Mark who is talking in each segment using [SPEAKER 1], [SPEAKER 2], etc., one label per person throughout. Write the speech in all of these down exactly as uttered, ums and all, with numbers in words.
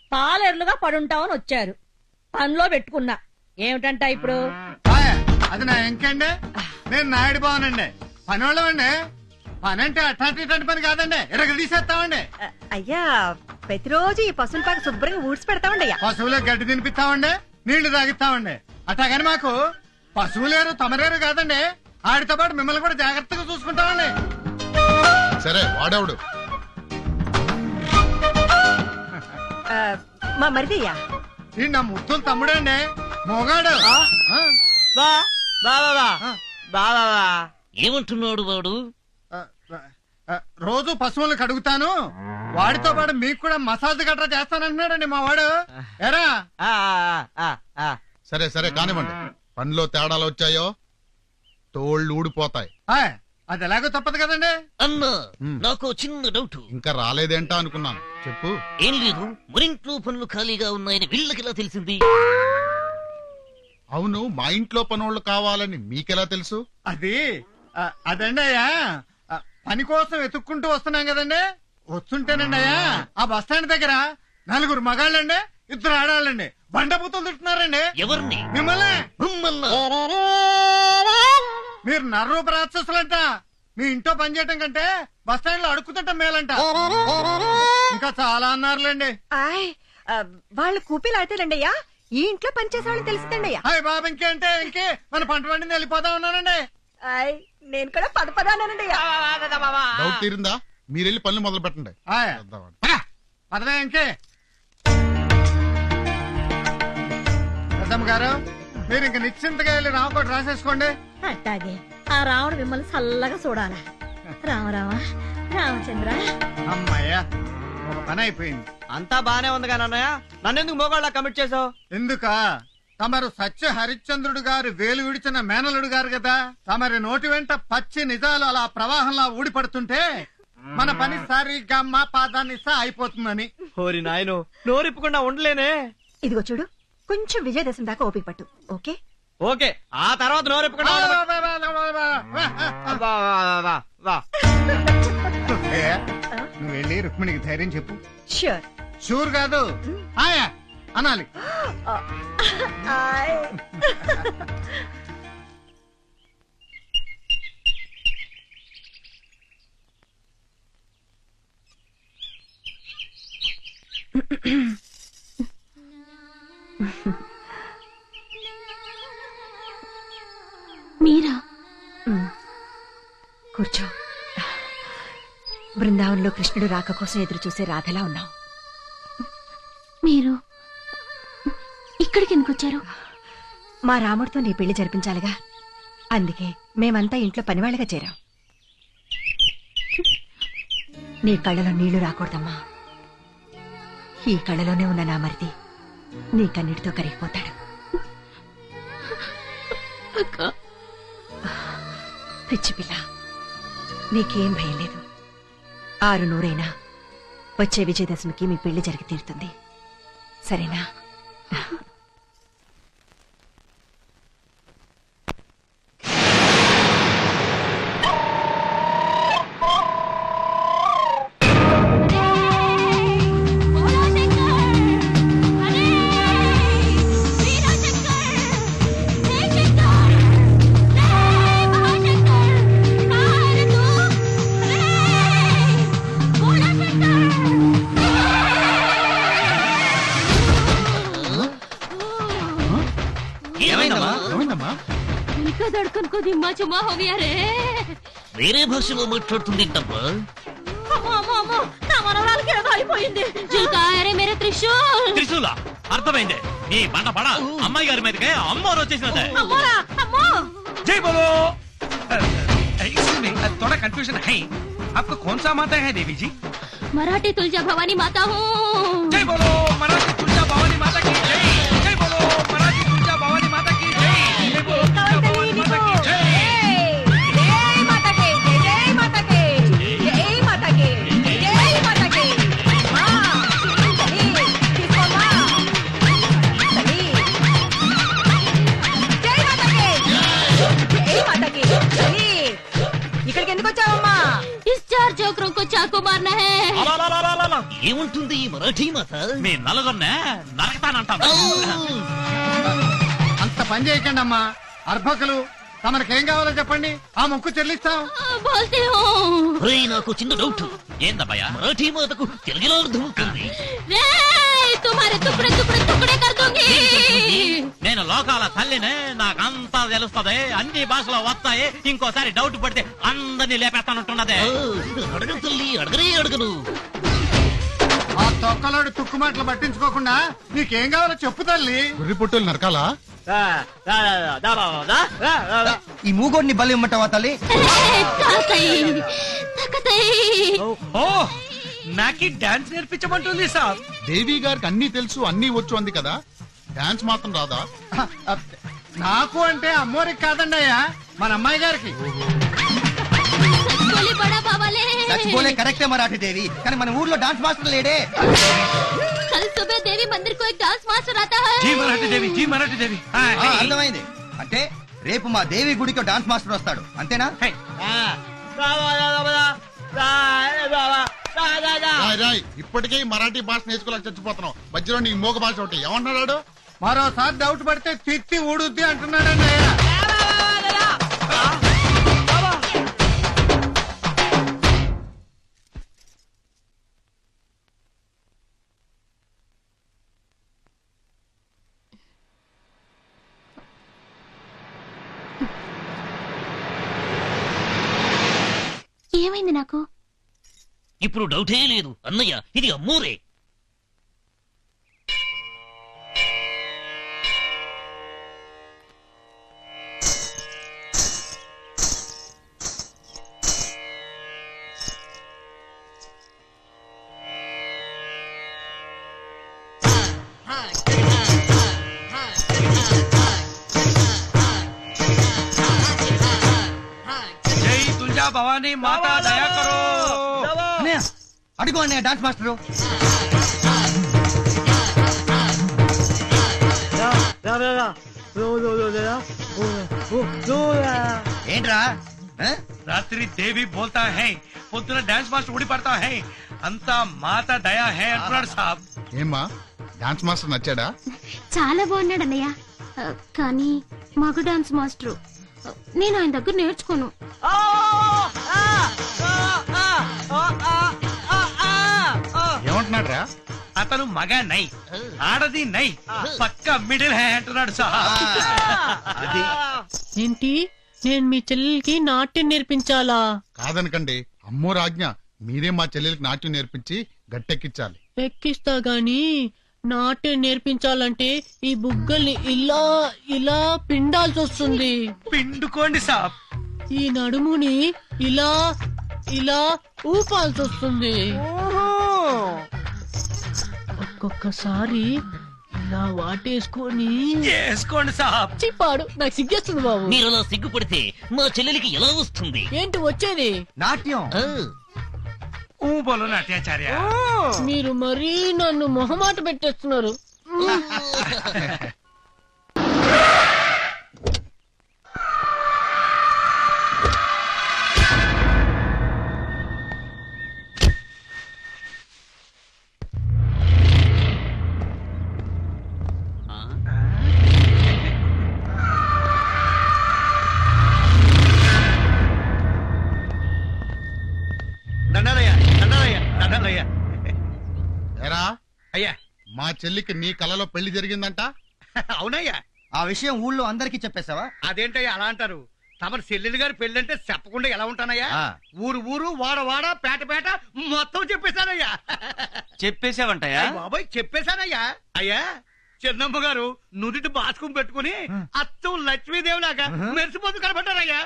[SPEAKER 1] పాలేర్లుగా పడుంటామని వచ్చారు. పనిలో పెట్టుకున్నా. ఏమిటంట ఇప్పుడు?
[SPEAKER 2] అది నా ఇంకండి. నేను నాయుడు బావనండి, పని వాళ్ళమండి. పని అంటే అట్లాంటి ఇట్లాంటి పని కాదండి, ఇరగ తీసేస్తామండి.
[SPEAKER 3] అయ్యా ప్రతిరోజు ఈ పశువుల పాక శుభ్రంగా ఊడ్చి పెడతామండి అయ్యా.
[SPEAKER 2] పశువులకు గడ్డి తినిపిస్తామండి, నీళ్లు తాగిస్తామండి. అట్లాగని మాకు పశువులేరు తమరేరు కాదండి, ఆడితో పాటు మిమ్మల్ని కూడా జాగ్రత్తగా చూసుకుంటామండి.
[SPEAKER 4] సరే వాడేవుడు
[SPEAKER 3] మా మరిదయ్యా.
[SPEAKER 2] ఈ నా ముద్దులు తమ్ముడండి, మొగాడు.
[SPEAKER 5] ఏమంటున్నాడు వాడు?
[SPEAKER 2] రోజు పశువులకు అడుగుతాను, వాడితో పాటు మీకు కూడా మసాజ్ గట్రా చేస్తానంటున్నాడండి మా వాడు. ఎరా
[SPEAKER 4] సరే సరే కానివ్వండి. పనిలో తేడాలు వచ్చాయో తోళ్ళు ఊడిపోతాయి.
[SPEAKER 2] అది ఎలాగో తప్పదు కదండి.
[SPEAKER 5] అన్నా నాకు చిన్న డౌట్.
[SPEAKER 4] ఇంకా రాలేదేంటా అనుకున్నాను, చెప్పు.
[SPEAKER 5] ఏం లేదు, మరింట్లో పనులు ఖాళీగా ఉన్నాయని వీళ్ళకి ఎలా తెలిసింది?
[SPEAKER 4] అవును, మా ఇంట్లో పనోళ్ళు కావాలని మీకెలా తెలుసు?
[SPEAKER 2] అది అదండి అయ్యా, పని కోసం వెతుక్కుంటూ వస్తున్నాం కదండి. వస్తుంటేనండి అయ్యా, ఆ బస్ స్టాండ్ దగ్గర నలుగురు మగాళ్ళండి, ఇద్దరు ఆడాళ్ళండి బండబూతులు తింటున్నారండి.
[SPEAKER 5] ఎవరిని?
[SPEAKER 2] మిమ్మల్ని.
[SPEAKER 5] మిమ్మల్ని?
[SPEAKER 2] మీరు నర్రూప రాక్షసులంట. మీ ఇంట్లో పని చేయటం కంటే బస్ స్టాండ్ లో అడుక్కుతుంటాం మేలంట. ఇంకా చాలా అన్నారులేండి.
[SPEAKER 3] ఆయ్ వాళ్ళు కూపీలు ఆడతారండి అయ్యా, ఈ ఇంట్లో పని చేసే వాళ్ళని తెలిసిందండి అయ్యా.
[SPEAKER 2] హాయ్ బాబు, ఇంకే అంటే ఇంకే మన పంట పండింది వెళ్ళిపోతా ఉన్నానండి.
[SPEAKER 3] ఆయ్ నేను కూడా పద పదానండి అయ్యా.
[SPEAKER 4] డౌట్ తీరిందా? మీరెళ్ళి పనులు మొదలు పెట్టండి.
[SPEAKER 2] పదవే ఇంకే. పెద్దమ్మ గారు, మీరు ఇంక నిశ్చింతగా వెళ్ళి రామకోట రాసేసుకోండి.
[SPEAKER 1] అట్టాగే ఆ రాముడు మిమ్మల్ని చల్లగా చూడాలా. రామ రామ రామచంద్ర.
[SPEAKER 2] అమ్మయ్యా, ఒక పని అయిపోయింది.
[SPEAKER 6] అంతా బానే ఉంది కానీ అన్నయ్య, నన్నెందుకు మోగాళ్ళ కమిట్ చేసావు?
[SPEAKER 2] ఎందుక తమరు సత్య హరిశ్చంద్రుడు గారు వేలు విడిచిన మేనలుడు గారు కదా. తమరి నోటి వెంట పచ్చి నిజాలు అలా ప్రవాహంలా ఊడిపడుతుంటే మన పని సరిగ్గా మా పాదాన్ని సా అయిపోతుందని.
[SPEAKER 6] ఓరి నాయను, నోరిప్పకుండా ఉండలేనే.
[SPEAKER 3] ఇదిగో చూడు, కొంచెం విజయదశమి దాకా ఓపిక పట్టు. ఓకే
[SPEAKER 6] ఓకే, ఆ తర్వాత నోరిప్పకుండా
[SPEAKER 2] నువ్వు వెళ్ళి రుక్మిణికి ధైర్యం చెప్పు.
[SPEAKER 3] ష్యూర్.
[SPEAKER 2] షూర్ కాదు, ఆయా అనాలి.
[SPEAKER 7] మీరా?
[SPEAKER 3] కూర్చో. బృందావనంలో కృష్ణుడు రాక కోసం ఎదురు చూసే రాధలా ఉన్నావు.
[SPEAKER 7] మీరు ఇక్కడికి ఎందుకు వచ్చారు?
[SPEAKER 3] మా రాముడితో నీ పెళ్లి జరిపించాలిగా, అందుకే మేమంతా ఇంట్లో పనివాళ్ళగా చేరాం. నీ కళ్ళలో నీళ్లు రాకూడదమ్మా. ఈ కళ్ళలోనే ఉన్న నా మరిది నీ కన్నిటితో కరిగిపోతాడు. పిచ్చి పిల్ల, నీకేం భయం లేదు. ఆరు నూరైనా వచ్చే విజయదశమికి మీ పెళ్లి జరిగి తీరుతుంది, సరేనా?
[SPEAKER 5] వేరే భాషలో మాట్లాడుతుందేంటమ్మా?
[SPEAKER 1] నా మనవరాలకి ఏదో అయిపోయింది.
[SPEAKER 8] త్రిశూల అర్థమైంది. నీ బండ పడ అమ్మాయి గారి మీదకే అమ్మోరు వచ్చేసినదే.
[SPEAKER 9] जय बोलो। एक्सक्यूज मी, थोड़ा कंफ्यूजन है, आपको कौन सा माता है देवी जी?
[SPEAKER 7] मराठी तुलजा भवानी माता हूँ।
[SPEAKER 9] जय बोलो मराठी तुलजा भवानी माता की जय। जय बोलो मराठी तुलजा भवानी माता की जय। जय बोलो तुलजा भवानी माता की जय।
[SPEAKER 3] जय माता के, जय माता के, जय माता के, जय माता के। माँ, सही, किसको माँ? सही। जय माता के, जय माता के, सही। ఇక్కడికి ఎందుకు వచ్చావమ్మా?
[SPEAKER 7] इस चार चौकरों को चाकू मारना है।
[SPEAKER 5] ఏముంటుంది ఈ మరాఠీ మాత?
[SPEAKER 8] మీ నలుగురినే నరకతానంటాను.
[SPEAKER 2] అంత పని చేయకండి అమ్మా. అర్భకులు తమకేం కావాలో చెప్పండి, ఆ మొక్కు చెల్లిస్తాం.
[SPEAKER 7] బోల్తే హో
[SPEAKER 5] ఒరేయ్, నాకు చిన్న డౌట్.
[SPEAKER 8] ఏందబ్బయ్యా?
[SPEAKER 5] మరాఠీ మాతకు తెలుగులో అర్థం అవుతుంది.
[SPEAKER 7] రే తుమారే తుకడే తుకడే తుకడే కర్ దూంగి.
[SPEAKER 8] నేను లోకాల తల్లినే, నాకంతా తెలుస్తది, అన్ని భాషలో వస్తాయి. ఇంకోసారి డౌట్ పడితే అందరినీ లేపేస్తానంటున్నదే.
[SPEAKER 5] అడగను తల్లి, అడగనే అడగను.
[SPEAKER 2] ఆ తొక్కలోడు తుక్కు మాటలు పట్టించుకోకుండా నీకేం కావాలో చెప్పు తల్లి.
[SPEAKER 4] గుర్రి పొట్టులు నరకాలా?
[SPEAKER 6] ఈ మూగోడిని బలి ఇమ్మంటావా తల్లి?
[SPEAKER 7] తాతై తకతై.
[SPEAKER 9] ఓ నాకి డాన్స్ నేర్పించమంటుంది సార్.
[SPEAKER 4] దేవి గారికి అన్ని తెలుసు, అన్ని వచ్చు అంది కదా, డాన్స్ మాత్రం రాదా?
[SPEAKER 2] నాకు అంటే అమ్మోరికి కాదండి అయ్యా, మన అమ్మాయి గారికి.
[SPEAKER 7] సచ్ బోలే బడా బావాలే.
[SPEAKER 6] చచ్చిపోలే కరెక్టే మరాఠీ దేవి, కానీ మన ఊర్లో డాన్స్ మాస్టర్ లేడే.
[SPEAKER 7] కల్ సుబహ దేవి మందిర్ కో ఏక్ డాన్స్ మాస్టర్ ఆతా హై.
[SPEAKER 9] జీ మరాఠీ దేవి, జీ మరాఠీ దేవి.
[SPEAKER 6] ఆ, అర్థమైంది. అంటే రేపు మా దేవి గుడికి డాన్స్ మాస్టర్ వస్తాడు, అంతేనా?
[SPEAKER 4] రాయ్ రాయ్, ఇప్పటికే ఈ మరాఠీ భాష నేర్చుకోలేక చచ్చిపోతున్నావు, మధ్యలో నీ మోగ భాష ఒకటి ఏమంటున్నాడు?
[SPEAKER 2] మరోసారి డౌట్ పడితే తిత్తి ఊడుద్ది అంటున్నాడండి అయ్యా.
[SPEAKER 7] ఏమైంది నాకు?
[SPEAKER 5] ఇప్పుడు డౌటే లేదు అన్నయ్య, ఇది అమ్మూరే.
[SPEAKER 9] జై తుల్జా భవానీ మాతా దయా కరో.
[SPEAKER 6] అన్నయ్య, అడుగు అన్నయ్య డాన్స్ మాస్టరు. ఏంట్రా? ఆ?
[SPEAKER 9] రాత్రి దేవి బోల్తా హై, పొద్దున డాన్స్ మాస్టర్ ఊడి పడతా హై, అంతా మాతా దయా హై అంటున్నాడు సాబ్.
[SPEAKER 4] ఏమ్మా, డాన్స్ మాస్టర్ నచ్చాడా?
[SPEAKER 7] చాలా బాగున్నాడు అన్నయ్య. ఆ, కానీ మగ డాన్స్ మాస్టరు. ఆ, నేను ఆయన దగ్గర నేర్చుకోను.
[SPEAKER 4] ఏమంటున్నాడు రా?
[SPEAKER 9] అతను మగ నై, ఆడది నై, పక్క మిడిల్ హై అంటున్నాడు సాబ్.
[SPEAKER 6] అది
[SPEAKER 10] ఏంటి, నేను మీ చెల్లెలకి నాట్యం నేర్పించాలా?
[SPEAKER 4] కాదనకండి, అమ్మో రాజ్ఞ, మీరే మా చెల్లెలకి నాట్యం నేర్పించి గట్టెక్కించాలి.
[SPEAKER 10] ఎక్కిస్తా గాని నాట్యం నేర్పించాలంటే ఈ బుగ్గల్ని ఇలా ఇలా పిండాల్సి వస్తుంది.
[SPEAKER 9] పిండుకోండి సాబ్.
[SPEAKER 10] ఈ నడుముని ఇలా ఇలా ఊపాల్సి వస్తుంది. ఒక్కొక్కసారి ఇలా వాటేసుకొని
[SPEAKER 9] చేసుకోండి సాబ్.
[SPEAKER 10] చిప్పాడు. నాకు సిగ్గేస్తుంది బాబు.
[SPEAKER 5] మీరు అలా సిగ్గుపడితే మా చెల్లెలికి ఎలా వస్తుంది?
[SPEAKER 10] ఏంటి వచ్చేది?
[SPEAKER 6] నాట్యం.
[SPEAKER 5] ఆ,
[SPEAKER 9] ఊ బోలో నాట్యాచార్య.
[SPEAKER 10] మీరు మరీ నన్ను మొహమాట పెట్టేస్తున్నారు.
[SPEAKER 9] దండాలయ్య, దండాలయ్య, దండాలయ్య.
[SPEAKER 4] ఎరా,
[SPEAKER 9] అయ్యా,
[SPEAKER 4] మా చెల్లికి నీ కలలో పెళ్లి జరిగిందంట?
[SPEAKER 9] అవునయ్యా.
[SPEAKER 6] ఆ విషయం ఊళ్ళో అందరికీ చెప్పేశావా?
[SPEAKER 9] అదేంటయ్యా అలా అంటారు? తమ చెల్లెలు గారి పెళ్ళంటే చెప్పకుండా ఎలా ఉంటానయ్యా?
[SPEAKER 6] ఆ.
[SPEAKER 9] ఊరు ఊరు వాడ వాడ పేట పేట మొత్తం చెప్పేశానయ్యా.
[SPEAKER 6] చెప్పేశావంటయ్యా?
[SPEAKER 9] అయ్ బాబాయ్ చెప్పేశానయ్యా. అయ్యా, చిన్నమ్మ గారు నుదుటి బాస్కం పెట్టుకుని అచ్చం లక్ష్మీదేవి లాగా మెరిసిపోతూ కనబడ్డారయ్యా.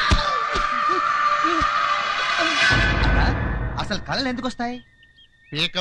[SPEAKER 6] అసలు కళలు ఎందుకు వస్తాయి?
[SPEAKER 4] పీక